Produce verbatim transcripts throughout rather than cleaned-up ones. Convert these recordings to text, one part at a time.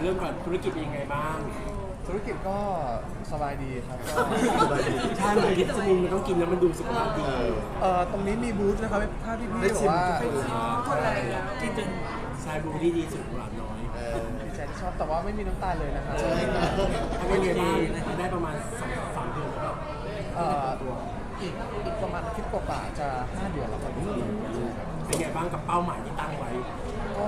ริ่มก่อนธุรกิจเป็นยังไงบ้างธุรกิจก็สบายดีครับก็ใช่มันกินสมุนมันต้องกินแล้วมันดูสุขภาพดีเอ่อตรงนี้มีบูธนะครับถ้าพี่พี่บอกว่ากินจนชายบูดีดีสุดหวานน้อยดีใจที่ชอบแต่ว่าไม่มีน้ำตาลเลยนะครับใช่อันนี้ได้ได้ประมาณสองสามเดือนแล้วเอ่ออีกอีกประมาณอาทิตย์กว่าจะห้าเดือนแล้วครับเป็นไงบ้างกับเป้าหมายที่ตั้งไว้ก็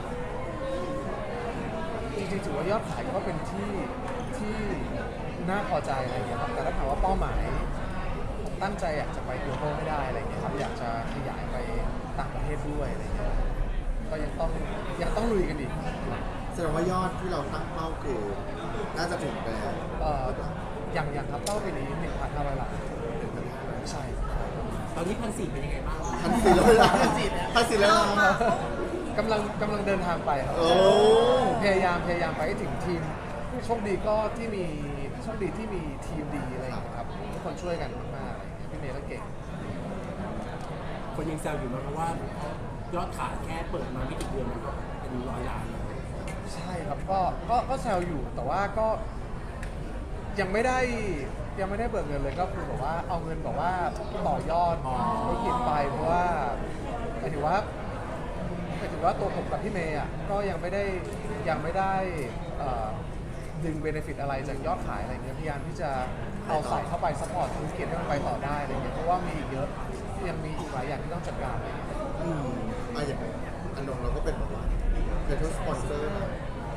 จริงๆถือว่ายอดขายก็เป็นที่ที่น่าพอใจอะไรอย่างเงี้ยครับแต่ถ้าถามว่าเป้าหมายผมตั้งใจอยากจะไปโกลบอลให้ได้อะไรอย่างเงี้ยครับอยากจะขยายไปต่างประเทศด้วยอะไรอย่างเงี้ยก็ยังต้องยังต้องลุยกันอีกแสดงว่ายอดที่เราตั้งเป้าคือน่าจะถึงไปเอ่ออย่างอย่างครับเป้าปีนี้หนึ่งพันห้าร้อยล้านใช่ตอนนี้พันสี่เป็นยังไงบ้างพันสี่ร้อยล้านพันสี่ร้อยล้านกำลังกำลังเดินทางไปครับพยายามพยายามไปให้ถึงทีมโชคดีก็ที่มีโชคดีที่มีทีมดีอะไรอย่างเงี้ยครับทุกคนช่วยกันมากๆอะไรอย่างเงี้ยพี่เมย์ก็เก่งคนยังแซวอยู่นะเพราะว่ายอดขายแค่เปิดมาไม่กี่เดือนมันก็เป็นร้อยล้านใช่ครับก็ก็ก็แซวอยู่แต่ว่าก็ยังไม่ได้ยังไม่ได้เบิกเงินเลยก็คือแบบว่าเอาเงินแบบว่าต่อยอดธุรกิจไปเพราะว่าหมายถึงว่าหมายถึงว่าตัวผมกับพี่เมย์อ่ะก็ยังไม่ได้ยังไม่ได้ดึงเบนฟิตอะไรจากยอดขายอะไรเงี้ยพยายามที่จะเอาใส่เข้าไปซัพพอร์ตธุรกิจให้มันไปต่อได้อะไรเงี้ยเพราะว่ามีอีกเยอะยังมีอีกหลายอย่างที่ต้องจัดการอะไรเงี้ยอืมอ่ะอย่างอันนงเราก็เป็นแบบว่าเป็นทุกสปอนเซอร์นะ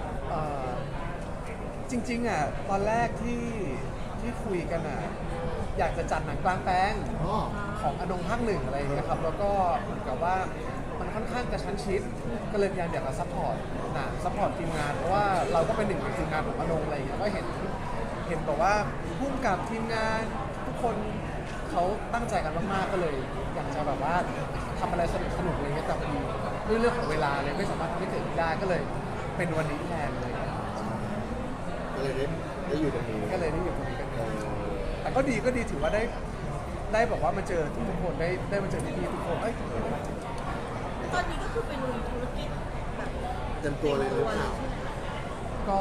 จริงๆอ่ะตอนแรกที่ที่คุยกันอ่ะอยากจะจัดหนังกลางแปลงของอนงภาคหนึ่งอะไรอย่างเงี้ยครับแล้วก็เหมือนกับว่ามันค่อนข้างกระชั้นชิดก็เลยพยายามอยากจะซัพพอร์ตนะซัพพอร์ตทีมงานเพราะว่าเราก็เป็นหนึ่งในทีมงานของอนงอะไรอย่างเงี้ยก็เห็นเห็นแบบว่าพุ่งกับทีมงานทุกคนเขาตั้งใจกันมากๆก็เลยอยากจะแบบว่าทำอะไรสนุกสนุกอะไรเงี้ยแต่พอดีด้วยเรื่องของเวลาเลยไม่สามารถทำให้เกิดได้ก็เลยเป็นวันนี้แทนเลยก็เลยได้ได้อยู่ตรงนี้ก็เลยได้อยู่ตรงนี้กันแต่ก็ดีก็ดีถือว่าได้ได้บอกว่ามาเจอทุกคนได้ได้มาเจอพี่ๆทุกคนเอ้ยตอนนี้ก็คือเป็นธุรกิจแบบเต็มตัวเลยหรือเปล่าก็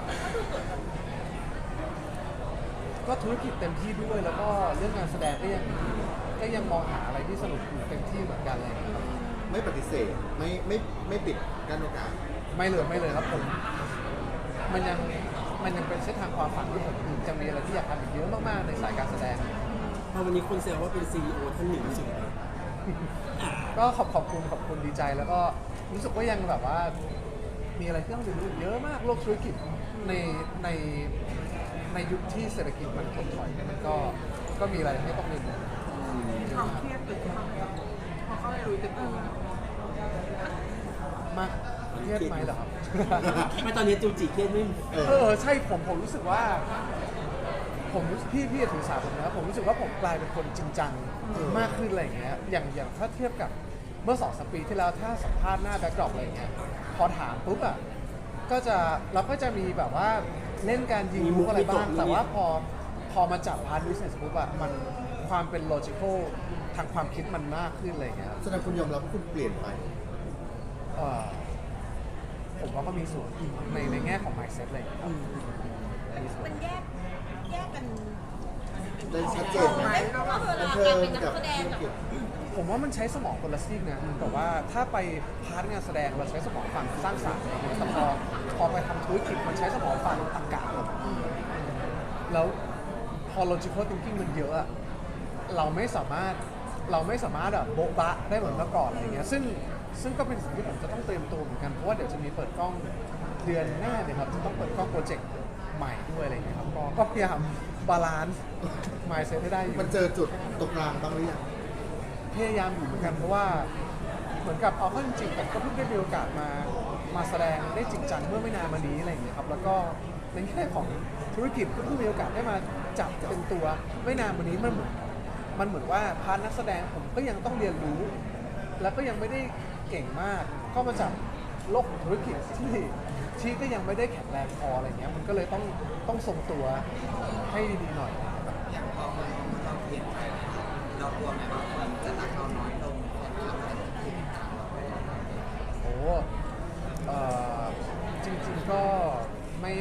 ก็ธุรกิจเต็มที่ด้วยแล้วก็เรื่องการแสดงก็ยังก็ยังมองหาอะไรที่สนุกอยู่เต็มที่เหมือนกันเลยไม่ปฏิเสธไม่ไม่ไม่ปิดกั้นโอกาสไม่เลยไม่เลยครับผมมันยังมันยังเป็นเส้นทางความฝันที่ผมจะมีอะไรที่อยากทำอีกเยอะมากๆในสายการแสดงพอวันนี้คนแซวว่าเป็น ซี อี โอ ท่านหนึ่งสุดก็ขอบขอบคุณขอบคุณดีใจแล้วก็รู้สึกว่ายังแบบว่ามีอะไรที่ต้องเรียนรู้เยอะมากโลกธุรกิจในในในยุคที่เศรษฐกิจมันถดถอยมันก็ก็มีอะไรให้ต้องเรียนรู้ความเครียดเกิดขึ้นพอเข้าไปรู้ตัวมากเครียดไหมเหรอครับไม่ตอนนี้จูจิเครียดไม่เออใช่ผมผมรู้สึกว่าผมพี่พี่ถือสาผมนะผมรู้สึกว่าผมกลายเป็นคนจริงจังมากขึ้นอะไรอย่างเงี้ยอย่างอย่างถ้าเทียบกับเมื่อสองสามปีที่แล้วถ้าสัมภาษณ์หน้าแบ็คดรอปอะไรเงี้ยพอถามปุ๊บอ่ะก็จะเราก็จะมีแบบว่าเล่นการยิงมุกอะไรบ้างแต่ว่าพอพอมาจับพาร์ทบิสเนสปุ๊บอ่ะมันความเป็นโลจิคอลทางความคิดมันมากขึ้นอะไรเงี้ยแสดงคุณยอมรับคุณเปลี่ยนไปผมว่าก็มีส่วนในในแง่ของ mindset เลยมันแยกแยกกันได้ชัดเจนไหมว่าเวลาการเป็นนักแสดงกับผมว่ามันใช้สมองคนละซีกนะแต่ว่าถ้าไปพาร์ทงานแสดงเราใช้สมองฝั่งสร้างสรรค์แต่พอพอไปทำธุรกิจมันใช้สมองฝั่งตรรกะแล้วพอ logical thinking มันเยอะเราไม่สามารถเราไม่สามารถแบบโบ๊ะบะได้เหมือนเมื่อก่อนอะไรเงี้ยซึ่งซึ่งก็เป็นสิ่งที่ผมจะต้องเตรียมตัวเหมือนกันเพราะว่าเดี๋ยวจะมีเปิดกล้องเดือนหน้าเนี่ยครับจะต้องเปิดกล้องโปรเจกต์ใหม่ด้วยอะไรเงี้ยครับก็พยายามบาลานซ์ mindset ให้ได้อยู่มันเจอจุดตรงกลางบ้างหรือยังพยายามอยู่เหมือนกันเพราะว่าเหมือนกับเอาเข้าจริงๆผมก็เพิ่งได้มีโอกาสมามาแสดงได้จริงจังเมื่อไม่นานมานี้อะไรอย่างเงี้ยครับแล้วก็ในแง่ของธุรกิจก็เพิ่งมีโอกาสได้มาจับเป็นตัวไม่นานมานี้มันมันเหมือนว่าพาร์ทนักแสดงผมก็ยังต้องเรียนรู้แล้วก็ยังไม่ได้เก่งมากก็มาจับโลกธุรกิจที่ที่ก็ยังไม่ได้แข็งแรงพออะไรเงี้ยมันก็เลยต้องต้องทรงตัวให้ดีๆหน่อยอย่างพอเราเปลี่ยนไปเรากลัวไหมว่าคนจะรักเราน้อยลงโอ้จริงๆก็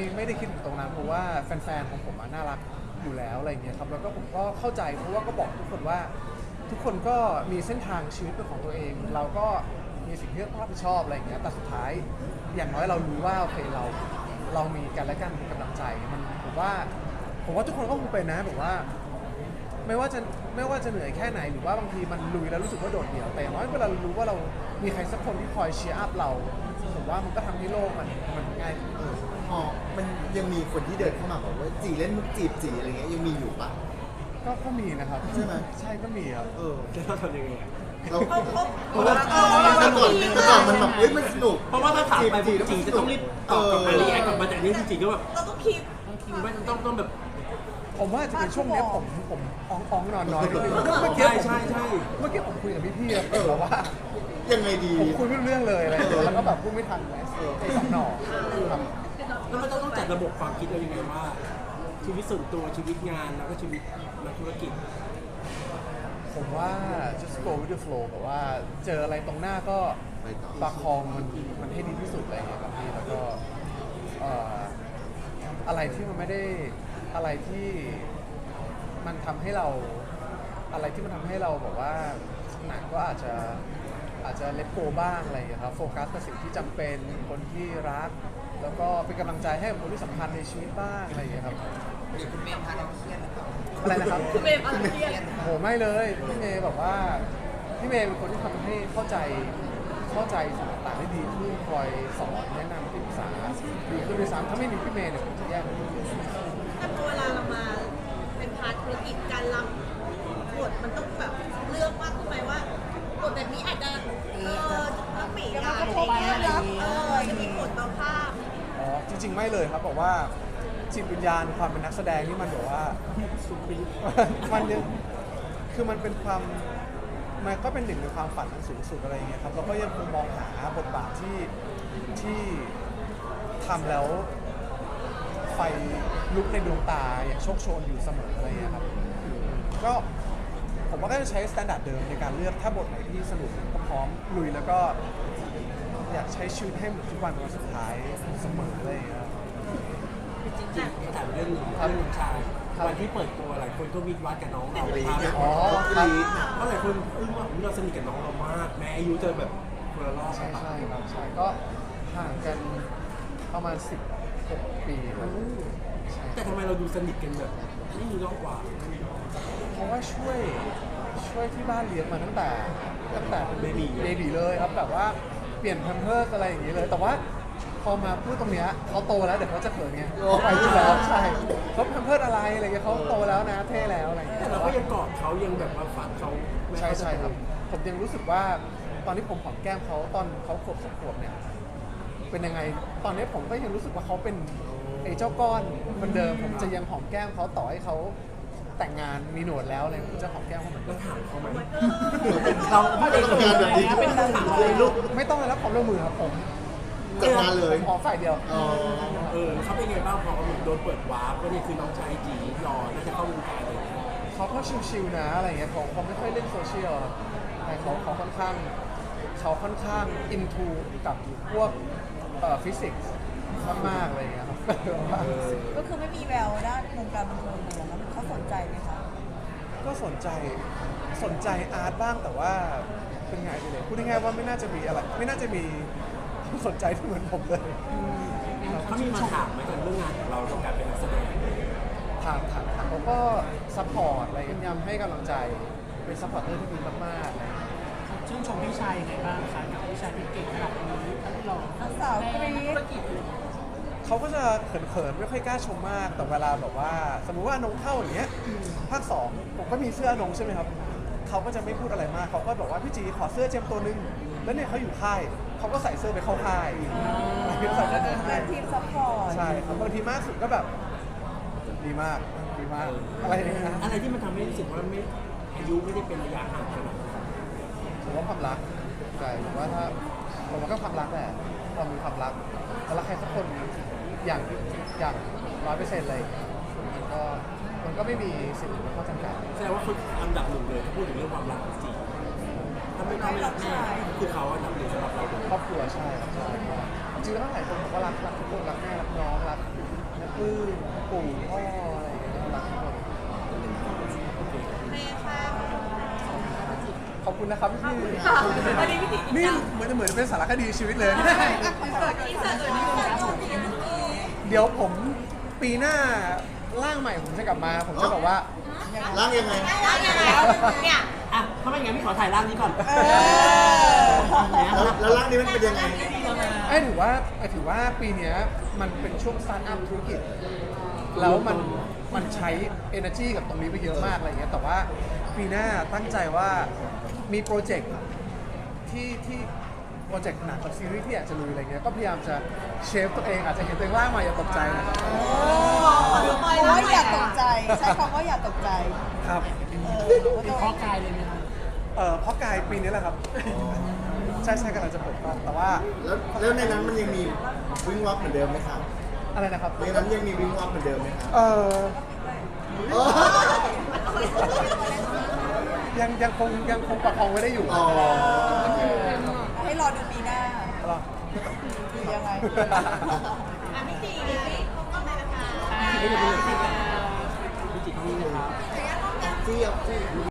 ไม่ได้คิดถึงตรงนั้นเพราะว่าแฟนๆของผมอะน่ารักอยู่แล้วอะไรอย่างเงี้ยครับแล้วก็ผมก็เข้าใจเพราะว่าก็บอกทุกคนว่าทุกคนก็มีเส้นทางชีวิตเป็นของตัวเอง เราก็มีสิ่งที่ต้องรับผิดชอบอะไรอย่างเงี้ยแต่สุดท้ายอย่างน้อยเรารู้ว่าโอเคเราเรามีกันและกันมีกำลังใจมันผมว่าผมว่าทุกคนก็คงเป็นนะแบบว่า ไม่ว่าจะไม่ว่าจะเหนื่อยแค่ไหนหรือว่าบางทีมันลุยแล้วรู้สึกว่าโดดเดี่ยวแต่อย่างน้อยเวลาเรารู้ว่าเรามีใครสักคนที่คอยเชียร์อัพเราผมว่ามันก็ทำให้โลกมันมันง่ายขึ้นเออพอมันยังมีคนที่เดินเข้ามาบอกว่าจีเล่นมุกจีบจีอะไรเงี้ยยังมีอยู่ปะก็ก็มีนะครับใช่ไหมใช่ก็มีครับเออจะต้องทำยังไงอะเราเขาเขาเพราะว่าเออเราเมื่อก่อนจีบเมื่อก่อนมันแบบเฮ้ยมันสนุกเพราะว่าถ้าถามไปจีจบริงๆจะต้องรีบตอบกลับมารีแอคกลับมาแต่อันนี้จริงๆก็แบบเราต้องคิดต้องคิดว่าต้องต้องแบบผมว่าจะเป็นช่วงเนี้ยผมผมอ่องอ่องนอนนอนนิดนึงเมื่อกี้ใช่ผมใช่ใช่เมื่อกี้ผมคุยกับพี่ๆอะผมบอกว่ายังไงดีผมคุยไม่รู้เรื่องเลยอะไรอย่างเงี้ยแล้วก็แบบพูดไม่ทันเลยไอ้สองหน่อครับแล้วมันต้องจัดระบบความคิดเรายังไงว่า ชีวิตส่วนตัวชีวิตงานแล้วก็ชีวิตนักธุรกิจผมว่า just go with the flow แบบว่าเจออะไรตรงหน้าก็ไปต่อประคองมันมันให้ดีที่สุดอะไรอย่างเงี้ยครับพี่แล้วก็เอ่ออะไรที่มันไม่ได้อะไรที่มันทำให้เราอะไรที่มันทำให้เราแบบว่าหนักก็อาจจะอาจจะเล t โกบ้างอะไรอย่างเงี้ยครับโฟกัสกับสิ่งที่จำเป็นคนที่รัก แล้วก็เป็นกำลังใจให้กับคนที่สำคัญในชีวิตบ้างอะไรอย่างเงี้ยครับหรือคุณเมย์พาเราเครียดหรือเปล่าอะไรนะครับคือเมย์อะไรเครียดโหไม่เลยพี่เมย์แบบว่าพี่เมย์เป็นคนที่ทำให้เข้าใจเข้าใจสิ่งต่างๆได้ดีขึ้นคอยสอนแนะนำที่ปรึกษาดีขึ้นด้วยซ้ำถ้าไม่มีพี่เมย์เนี่ยผมจะแย่กว่านี้แต่พอเวลาเรามาเป็นพาร์ทธุรกิจการรับบทมันต้องแบบเลือกมากขึ้นไหมว่าบทแบบนี้อาจจะเออต้องปีกอะไรอย่างเงี้ยเออจะมีผลต่อภาพอ๋อจริง ๆ ไม่เลยครับบอกว่าจิตวิญญาณความเป็นนักแสดงนี่มันแบบว่า มันยังคือมันเป็นความมันก็เป็นหนึ่งในความฝันอันสูงสุดอะไรอย่างเงี้ยครับเราก็ยังคงมองหาบทบาทที่ที่ทำแล้วไฟลุกในดวงตาอย่างโชคโชนอยู่เสมออะไรอย่างเงี้ยครับก็ผมว่าก็จะใช้สแตนดาร์ดเดิมในการเลือกถ้าบทไหนที่สนุกก็พร้อมลุยแล้วก็อยากใช้ชีวิตให้เหมือนทุกวันเป็นวันสุดท้ายเสมออะไรอย่างเงี้ยครับจริงๆเขาถามเรื่องหนึ่งเรื่องน้องชายวันที่เปิดตัวหลายคนก็วิดวัดกับน้องเราพาไปอ๋อครับเพราะหลายคนอึ้งว่าอุ๊ยเราสนิทกับน้องเรามากแม้อายุจะแบบคนละรอบใช่ใช่ครับใช่ก็ห่างกันประมาณสิบหกปีครับใช่แต่ทำไมเราดูสนิทกันแบบไม่มีรอบกว่าเพราะว่าช่วยช่วยที่บ้านเลี้ยงมาตั้งแต่ตั้งแต่เบบีเบบีเลยครับแบบว่าเปลี่ยนแพมเพิร์สอะไรอย่างนี้เลย แต่ว่าพอมาพูดตรงเนี้ยเขาโตแล้วเดี๋ยวเขาจะเขินไงเขาไปที่แล้วใช่เขาแพมเพิร์สอะไรอะไรเงี้ยเขาโตแล้วนะเท่แล้วอะไรอย่างเงี้แต่ยเราก็ยังกอดเขายังแบบว่าฝันเขาไม่ใช่ให้เขาใช่ครับ ผมยังรู้สึกว่าตอนที่ผมหอมแก้มเขาตอนเขาขวบสองขวบเนี่ยเป็นยังไงตอนนี้ผมก็ยังรู้สึกว่าเขาเป็นไอ้เจ้าก้อนเหมือนเดิมผมจะยังหอมแก้มเขาต่อให้เขาแต่งงานมีหนวดแล้วอะไรผมจะหอมแก้มเขาเหมือนเดิแล้วมถามเขาไหมเราไม่ได้ทำงานแบบนี้เป็นถามเลยลูกไม่ต้องเลยรับความร่วมมือครับผมจัดงานเลยผมขอฝ่ายเดียวอ๋อเออเขาเป็นไงบ้างพอเขาโดนเปิดวาร์ปว่านี่คือน้องชายจีรอน่าจะเข้าวงการเลยเขาก็ชิวๆนะอะไรเงี้ยเขาเขาไม่ค่อยเล่นโซเชียลครับแต่เขาเขาค่อนข้างเขาค่อนข้างอินทูกับพวกเอ่อฟิสิกส์มากๆอะไรเงี้ยครับก็คือไม่มีแววด้านวงการบันเทิงเลยแล้วเขาสนใจไหมคะก็สนใจสนใจอาร์ตบ้างแต่ว่าเป็นไงไปเลยพูดง่ายๆว่าไม่น่าจะมีอะไร ไม่น่าจะมีความสนใจที่เหมือนผมเลยเขามีมาถามไหมกับเรื่องงานของเราในการเป็นนักแสดงถามถามถามเขาก็ซัพพอร์ตอะไรกันยำให้กำลังใจเป็นซัพพอร์ตเตอร์ที่ดีมากๆอะไรอย่างเงี้ยชื่นชมพี่ชายยังไงบ้างคะกับพี่ชายที่เก่งขนาดนี้ทั้งหล่อสาวกรี๊ดธุรกิจเลยเขาก็จะเขินๆไม่ค่อยกล้าชมมากแต่เวลาแบบว่า สมมุติว่าอนงเข้าอย่างเงี้ยภาคสองผมก็มีเสื้ออนงใช่ไหมครับเขาก็จะไม่พูดอะไรมากเขาก็บอกว่าพี่จีขอเสื้อเจมส์ตัวนึงแล้วเนี่ยเขาอยู่ค่ายเขาก็ใส่เสื้อไปเข้าค่ายอะไรใส่เสื้อไปเข้าค่ายทีมซัพพอร์ตใช่ครับบางทีมากสุดก็แบบดีมากดีมากอะไรอย่างเงี้ยอะไรที่มันทำให้รู้สึกว่าไม่อายุไม่ได้เป็นระยะห่างขนาดนั้นผมว่าความรักใช่ผมว่าถ้าผมว่าก็ความรักแหละเรามีความรักแล้วรักใครสักคนอย่างอย่างร้อยเปอร์เซ็นต์เลยมันก็มันก็ไม่มีสิ่งที่ข้อจำกัดแสดงว่าคนอันดับหนึ่งเลยถ้าพูดถึงเรื่องความรักจริงถ้าไม่ถ้าไม่รักแม่คือเขาอันดับหนึ่งสำหรับเราเลยครอบครัวใช่ครับใช่จริงๆแล้วหลายคนบอกว่ารักรักทุกคนรักแม่รักน้องรักนักปื้มปู่พ่ออะไรอย่างเงี้ยรักทุกคนเมค่ะขอบคุณนะครับพี่วันนี้พี่ติ๋มนี่เหมือนเหมือนเป็นสารคดีชีวิตเลยอินเสิร์ตอินเสิร์ตเลยอินเสิร์ตเดี๋ยวผมปีหน้าร่างใหม่ผมจะกลับมา ผมจะบอกว่าร่างยังไงแล้วยังไงเนี่ยอ่ะถ้าไม่อย่างนั้นพี่ขอถ่ายร่างนี้ก่อนแล้วแล้วร่างนี้มันเป็นยังไงไอ้ถือว่าไอ้ถือว่าปีเนี้ยมันเป็นช่วงสตาร์ทอัพธุรกิจ แล้วมันมันใช้ energy กับตรงนี้ไปเยอะมากอะไรเงี้ยแต่ว่าปีหน้าตั้งใจว่ามีโปรเจกต์ที่ที่โปรเจกต์หนังกับซีรีส์ที่อยากจะลุยอะไรเงี้ยก็พยายามจะเชฟตัวเองอาจจะเห็นตัวเองร่างมาอย่าตกใจนะครับเพราะว่าอย่าตกใจ ใช้คำว่าอย่าตกใจครับเออเป็นข้อกายเลยไหมคะเออเพราะกายปีนี้แหละครับ ใช่ใช่กำลังจะเปิดกล้องแต่ว่าแล้วแล้วในนั้นมันยังมีวิ่งวับเหมือนเดิมไหมครับอะไรนะครับในนั้นยังมีวิ่งวับเหมือนเดิมไหมครับเออโอ้ยังยังคงยังคงประคองไว้ได้อยู่อ๋อให้รอดูปีหน้าเหรอหรือยังไงอ่ะพี่ติ๋มก็ไม่นะคะพี่จิตรพี่จิตรนี่นะครับเจี๊ยบ